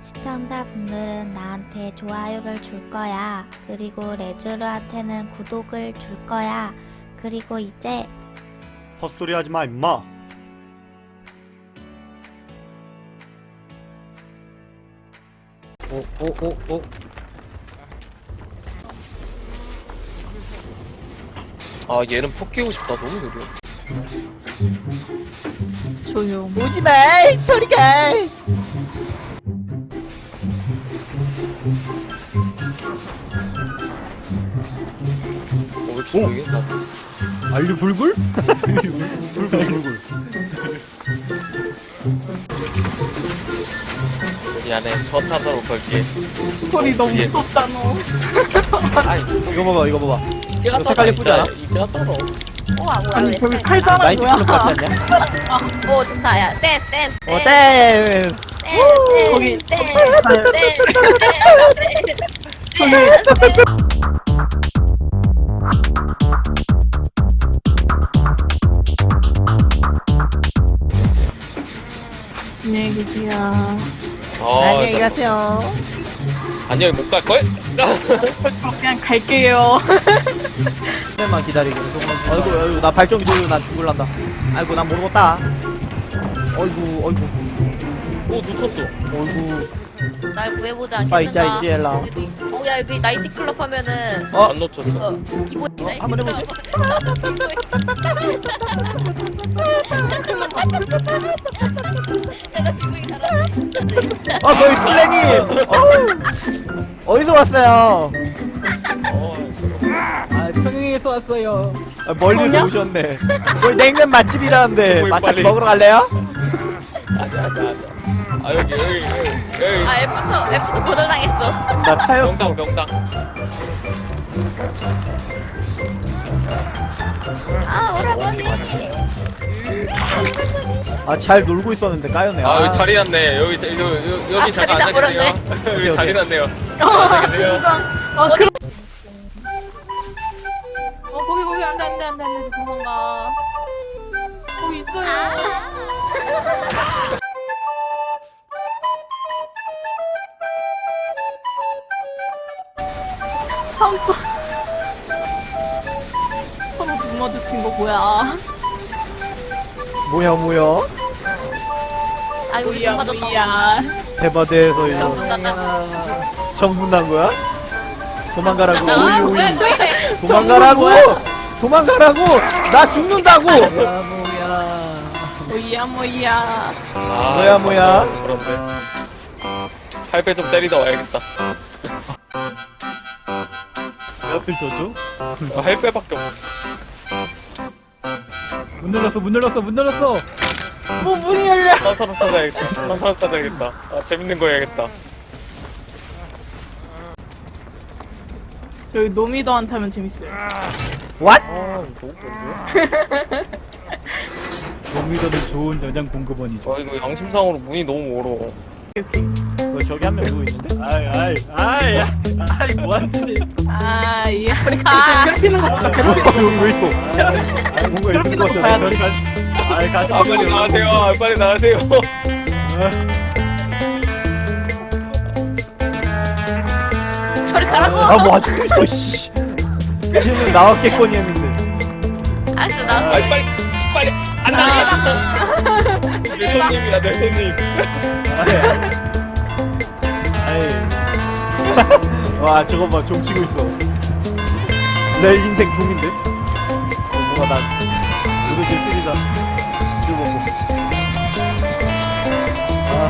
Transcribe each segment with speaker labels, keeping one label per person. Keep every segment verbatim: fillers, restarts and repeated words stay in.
Speaker 1: 시청자분들은 나한테 좋아요를 줄 거야. 그리고 레주르한테는 구독을 줄 거야. 그리고 이제
Speaker 2: 헛소리 하지 마, 임마.
Speaker 3: 오, 오, 오, 오.
Speaker 4: 아 얘는 폭 끼고 싶다. 너무 느려.
Speaker 5: 조용.
Speaker 3: 오지마! 저리 가!
Speaker 4: 어, 왜 이렇게 조용해? 나
Speaker 3: 알류 불굴?
Speaker 2: 불굴, 불굴.
Speaker 4: 미안해. 첫 타자로 걸게.
Speaker 5: 소리 너무
Speaker 4: 예.
Speaker 5: 무섭잖아.
Speaker 4: 아이
Speaker 3: 이거 봐봐, 이거 봐봐.
Speaker 4: 이제가
Speaker 3: 이거 색깔 예쁘지 않아?
Speaker 4: 이제가 떨어.
Speaker 6: 우와 뭐야
Speaker 5: 아니
Speaker 6: 왜
Speaker 5: 저기
Speaker 6: 쎄?
Speaker 5: 칼자랑
Speaker 3: 나이트
Speaker 5: 뭐야?
Speaker 3: 클럽 같지 않냐?
Speaker 6: 오 좋다 야 댄스 댄스
Speaker 3: 어, 땡!
Speaker 5: 거기
Speaker 6: 댄스
Speaker 5: 안녕히 계세요.
Speaker 4: 아,
Speaker 3: 안녕히
Speaker 4: 나-
Speaker 3: 가세요.
Speaker 4: 안녕히 못 갈 걸?
Speaker 5: 그냥 갈게요.
Speaker 3: 조금만 기다리고. 아이고, 아이고, 나 발전기 돌려, 난 죽을란다. 아이고, 난 모르겠다. 어이구, 어이구,
Speaker 4: 오 놓쳤어.
Speaker 3: 어이구.
Speaker 6: 날 구해보지
Speaker 3: 빠이 짜이
Speaker 6: 않겠는가
Speaker 3: 찌엘라.
Speaker 6: 어야 여기 나이트클럽 하면은
Speaker 3: 어?
Speaker 4: 안 놓쳤어.
Speaker 6: 어 이거 나이트클럽
Speaker 3: 한번 해보지.
Speaker 6: 내가 지금 이 사람
Speaker 3: 어, 저희 플래님! 어우, 어디서 왔어요?
Speaker 4: 어,
Speaker 7: 아, 평양에서 왔어요.
Speaker 3: 아, 멀리서 오셨네. 거기 냉면 맛집이라는데,
Speaker 4: 어이,
Speaker 3: 맛집
Speaker 4: 빨리.
Speaker 3: 먹으러 갈래요?
Speaker 4: 아자 아자 아자. 아 여기 여기 여기 여기.
Speaker 6: 아 F도 F도 거절당했어
Speaker 3: 나 차였어.
Speaker 4: 명당 명당.
Speaker 6: 아 오라버니
Speaker 3: 아, 잘 놀고 있었는데 까였네.
Speaker 4: 아 여기 자리 났네. 여기 자- 여기 여기, 여기
Speaker 6: 아,
Speaker 4: 잠깐
Speaker 6: 자리 다
Speaker 4: 앉아 계세요. 여기 자리 났네요. 앉아 계세요.
Speaker 5: 아 그.
Speaker 8: 어 거기 거기 안돼 안돼 안돼 안돼 도망가 거기 있어요
Speaker 5: 삼촌. 서로 눈 마주친 거 뭐야?
Speaker 3: 뭐야, 뭐야?
Speaker 6: 아 여기
Speaker 5: 뭐야
Speaker 6: 좀 맞았다
Speaker 5: 뭐야?
Speaker 3: 대바대에서 이거
Speaker 6: 정분났다
Speaker 3: 정분 난 거야? 도망가라고.
Speaker 6: 아
Speaker 3: 오이, 오이.
Speaker 6: 왜 왜?
Speaker 3: 도망가라고! 도망가라고! 나 죽는다고!
Speaker 7: 뭐야, 뭐야.
Speaker 5: 뭐야 뭐야?
Speaker 4: 아,
Speaker 3: 뭐야, 뭐야?
Speaker 4: 그런데. 팔배 좀 때리다 와야겠다.
Speaker 7: 옆을 줘줘?
Speaker 4: 아, 할배밖에 없어.
Speaker 7: 문 열었어, 문 열었어, 문 열었어!
Speaker 5: 뭐 문이 열려?
Speaker 4: 딴 사람 찾아야겠다. 딴 사람 찾아야겠다. 아, 재밌는 거 해야겠다.
Speaker 5: 저기 노미더한테 하면 재밌어요.
Speaker 3: What?
Speaker 4: 아, 너무 뭔데?
Speaker 7: 도미더는 좋은 여장 공급원이죠.
Speaker 4: 아, 이거 양심상으로 문이 너무 멀어.
Speaker 3: 뭐 저기 한 명 누구 있는데?
Speaker 7: 아이, 아이, 아이, 아이, 뭐하는지.
Speaker 5: 아 이. 우리
Speaker 6: 가.
Speaker 5: 괴롭히는 거 보다. 괴롭히는
Speaker 3: 어, 여기 왜 있어?
Speaker 7: 아이,
Speaker 3: 뭔가 있는 것
Speaker 5: 괴롭히는 거
Speaker 3: 같아.
Speaker 5: 봐야
Speaker 7: 저리 가. 아이, 가지
Speaker 4: 아, 빨리 나가세요. 아, 빨리 나가세요.
Speaker 6: 저리 가라고
Speaker 3: 아, 뭐 아직 있어, 씨. 이제는 나왔겠거니 했는데.
Speaker 6: 알았어 나
Speaker 4: 아, 빨리, 빨리. 안 나가. 내 손님이야, 내 손님.
Speaker 7: 아이,
Speaker 3: 와, 저거 봐, 종 치고 있어. 내 인생 종인데? 어, 뭐가 나, 이거 제일 필이다. 이거 뭐. 아,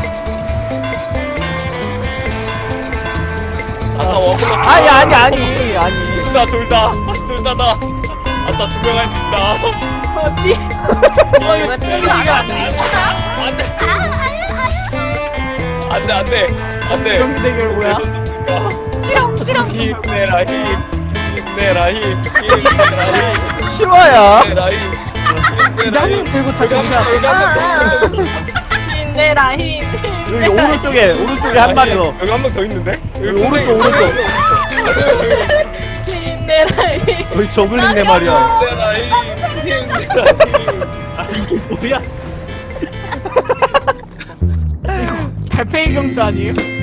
Speaker 4: 아싸, 원플러스.
Speaker 3: 아니, 아니, 아니, 아니.
Speaker 4: 둘 다, 둘 다. 둘 다 나. 아싸, 두 명 할 수 있다.
Speaker 5: 어디?
Speaker 6: 왜 친구 안 왔어
Speaker 4: 안 돼. 안 돼, 안 돼. 안 돼.
Speaker 5: 이런 대결 뭐야?
Speaker 4: 치렁, 치렁. 힘내라, 힘. 힘내라, 힘. 힘내라, 힘.
Speaker 3: 싫어야.
Speaker 4: 힘내라, 힘. 힘내라,
Speaker 5: 기장님
Speaker 4: 힘.
Speaker 5: 들고 다시
Speaker 4: 여기 한
Speaker 5: 오셔야
Speaker 4: 명,
Speaker 5: 돼.
Speaker 4: 여기 한 명 더.
Speaker 5: 힘내라 힘.
Speaker 3: 여기 오른쪽에, 오른쪽에 한 마리 더.
Speaker 4: 여기 한 명 더 있는데? 여기
Speaker 3: 여기 오른쪽,
Speaker 4: 선생님,
Speaker 3: 오른쪽.
Speaker 5: 힘내라 힘.
Speaker 3: 여기 저글링 내 말이야.
Speaker 4: 힘내라, 힘. 힘내라, 힘.
Speaker 7: 아, 이게 뭐야?
Speaker 5: 달팽이 경주 아니에요?